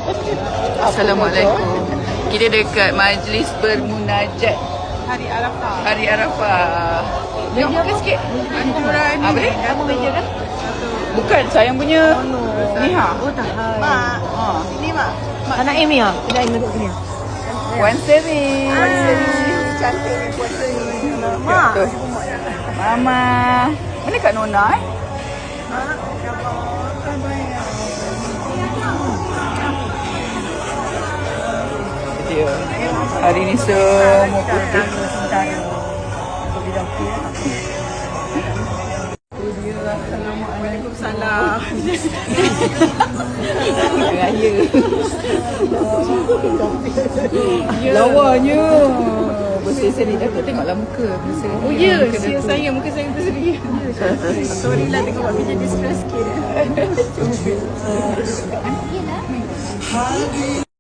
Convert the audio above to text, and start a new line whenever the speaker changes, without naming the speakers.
Assalamualaikum. Kita dekat majlis bermunajat
Hari Arafah.
Hari Arafah. Tengok makan sikit. Apa ni?
Kamu meja kan?
Bukan, sayang punya. Ni ha.
Oh tak.
Mak,
Ha.
sini mak.
Anak Amy ah. Kita Amy duduk sini.
Puan Seri.
Cantik ni puasa ni.
Mak. Mama. Mana Kak Nona eh? Dia. Hari ni semua putih.
Waalaikumsalam.
Raya. Lawanya. Berseri-seri. Aku tengoklah muka.
Oh ya, saya muka saya berseri.
Sorry lah tengok Mami jadi stress sikit.